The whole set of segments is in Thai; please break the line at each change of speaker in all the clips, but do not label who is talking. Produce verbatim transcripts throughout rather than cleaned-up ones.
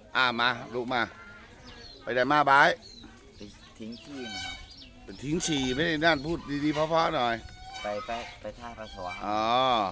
อ่ามาลูกมาไปไหนมาบาย
ไปทิ้งขี้นะครับ
เป็นทิ้งฉี่ไม่ได้นั่นพูดดีๆเพราะๆหน่อย
ไปไปไปท่าปัสสาวะ
อ๋อ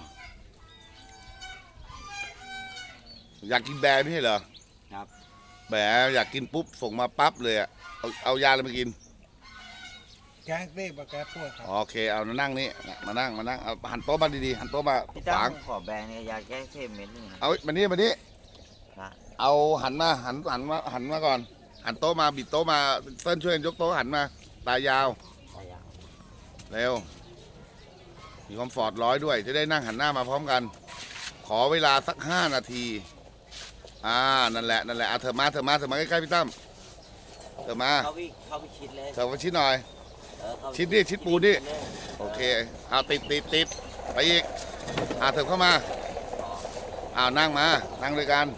อยากกินแบร์ไม่ใช่เหรอ
ครับ
แบร์อยากกินปุ๊บส่งมาปั๊บเลยอะเอาเอายาอะไรมากิน
แก้เรียกว่าแก้ปวดครับ
โอเคเอามานั่งนี่มานั่งมานั่งเอาหันโต๊ะมาดีๆหันโต๊ะมา
พี่ตั้
ขวาง
มขอแบรนด์เนี่ยยาแก้เสพเม็ดนึงนะ
เอามานี่มานี่
ครับ
เอาหันมาหันหันมาหันมาก่อนหันโต๊ะมาบิดโต๊ะมาเส้นช่วยยกโต๊ะหันมาตายาว
ตายาว
เร็วมีคอมฟอร์ตร้อยด้วยจะได้นั่งหันหน้ามาพร้อมกันขอเวลาสักห้านาทีอ่านั่นแหละนั่นแหละเอาเธอมาเธอมาเธอมาใกล้ๆพี่ตั้มเธอมา
เข้าไปเข้าไปชิดเลย
เธอมาชิดหน่อยชิดนี่ชิดปูนี่โอเคเอาติดติดติดไปอีกอ่าเธอเข้ามาอ้าวนั่งมานั่งด้วยกัน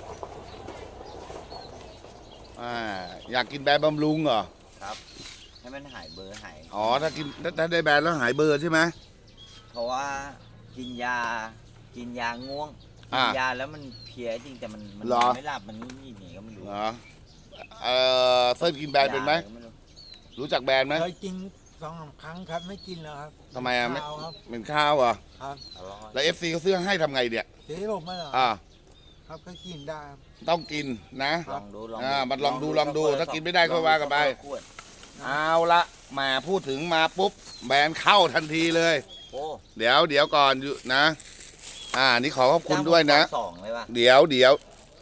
อ่าอยากกินแบรนด์บำรุงเหรอ
ครับให้มันหายเบอร์หาย
อ๋อถ้ากินถ้าได้แบรนด์แล้วหายเบอร์ใช่ไหม
เพราะว่ากินยากินยาง่วงกินยาแล้วมันเพี้ยจริงแต่มันมันไม่หลับมันนี่นี่ก็ไม่รู้
เหรอเออเซิร์ฟกินแบรนด์เป็นไหมรู้จักแบรนด์ไหม
เคยกินสองสามครั้งครับไม่กินแล้วครับ
ทำไมอ่ะไม่
ครับ
เป็นข้าวเหรอ
ครับ
แล้วเอฟซีเขาซื้อให้ทำไงเนี่ย
เดี๋ยวผมไม่หรอ
อ่า
ครับก็กินได้
ต้องกินนะ
ลองดูลอง
อ่ามันลองดูลองดูถ้ากินไม่ได้ก็ว่ากันไปเอาละมาพูดถึงมาปุ๊บแบรนด์เข้าทันทีเลยเดี๋ยวเดี๋ยวก่อนอยู่นะอ่านี่ขอขอบคุณด้วยนะเดี๋ยวเดี๋ยว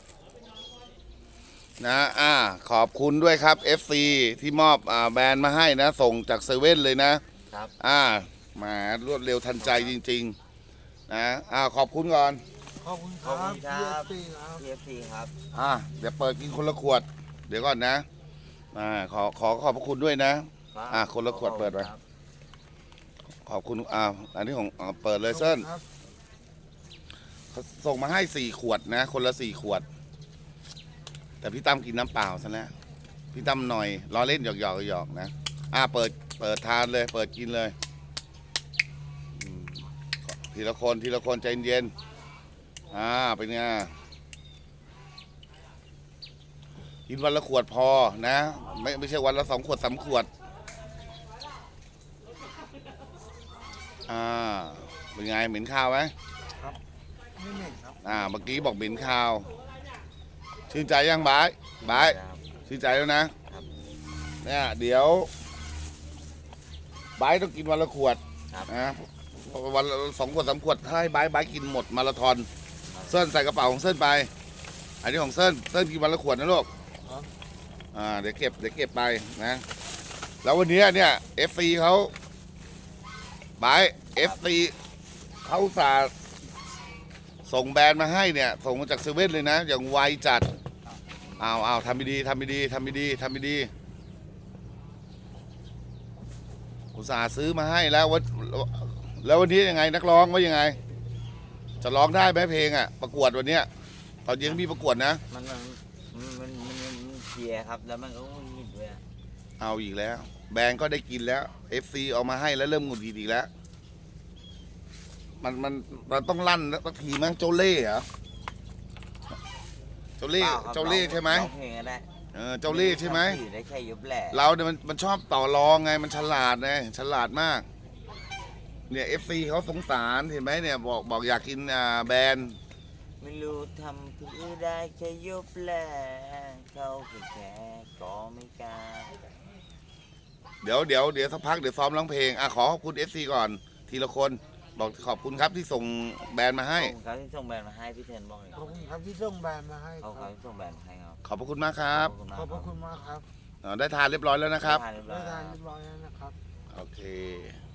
นะอ่าขอบคุณด้วยครับ เอฟ ซี ที่มอบอ่าแบรนด์มาให้นะส่งจากเซเว่นเลยนะครับอ่ามารวดเร็วทันใจจริงๆนะอ่าขอบคุณก่อน
ขอบคุณครับ
พีเอฟซีครับ
อ่าเดี๋ยวเปิดกินคนละขวดเดี๋ยวก่อนนะอ่าขอขอขอบพระคุณด้วยนะอ่าคนละขวดเปิดไปขอบคุณอ่าอันนี้ของเปิดเลยเส้นเขาส่งมาให้สี่ขวดนะคนละสี่ขวดแต่พี่ตั้มกินน้ำเปล่าซะแล้วพี่ตั้มหน่อยล้อเล่นหยอกหยอกหยอกนะอ่าเปิดเปิดทานเลยเปิดกินเลยทีละคนทีละคนใจเย็นอ่าเป็นไงกินวันละขวดพอนะไม่ไม่ใช่วันละสองขวดสามขวดอ่าเป็นไงเหม็นข้าวไหม
ครับไม่เหม็นครับ
อ่าเมื่อกี้บอกเหม็นข้าวชื่นใจยังบายบายชื่นใจแล้วนะเนี่ยเดี๋ยวบายต้องกินวันละขวดนะวันละสองขวดสามขวดถ้าให้บายบายกินหมดมาราธอนเส้นใส่กระเป๋าของเส้นไปอันนี้ของเส้นเส้นกินวันละขวดนะลูกอ่าเดี๋ยวเก็บเดี๋ยวเก็บไปนะแล้ววันนี้เนี่ยเอฟซีเขาบายเอฟซีเขาสาส่งแบรนด์มาให้เนี่ยส่งมาจากเซเว่นเลยนะอย่างไวจัดอ้าวอ้าวทำดีทำดีทำดีทำดีอุตส่าห์ซื้อมาให้แล้ววันแล้ววันนี้ยังไงนักร้องว่ายังไงจะร้องได้ไหมเพลงอ่ะประกวดวันเนี้ยตอนเย็นมีประกวดนะ
มันมันมันมันเชียร์ครับแล้วมันก็งุนงิดด้วย
เอาอีกแล้วแบรนด์ก็ได้กินแล้วเอฟซีเอามาให้แล้วเริ่มงุนงิดอีกแล้วมันมันมันต้องลั่นสักทีมั้งโจเล่เหรอเจ้าเล่เจ้าเล่ใช่ไหมเออเจ้าเล่ใช่ไหมเราเนี่ยมันมันชอบต่อรองไงมันฉลาดไงฉลาดมากเนี่ยเอฟซีเขาสงสารเห็นไหมเนี่ยบอกบอกอยากกินอ่าแบรนด์
ไม่รู้ทำเพื่อได้แค่ยุบแหล่เขาแค่ก็ไม่กล้า
เดี๋ยวเดี๋ยวเดี๋ยวสักพักเดี๋ยวซ้อมร้องเพลงอ่ะขอขอบคุณเอฟซีก่อนทีละคนบอกขอบคุณครับที่ส่งแบรนด์มาให้
ขอบคุณครับที่ส่งแบรนด์มาให้พี่เทนบอกเลย
ขอบคุณครับที่ส่งแบรนด์มาให้
ขอบคุณที่ส่งแบรนด์มาให้ครับ
ขอบพระคุณมากครับ
ขอบพระคุณมากครับ
ได้ทานเรียบร้อยแล้วนะครับ
ได้ทานเรียบร้อยแล้วนะครับ
โอเค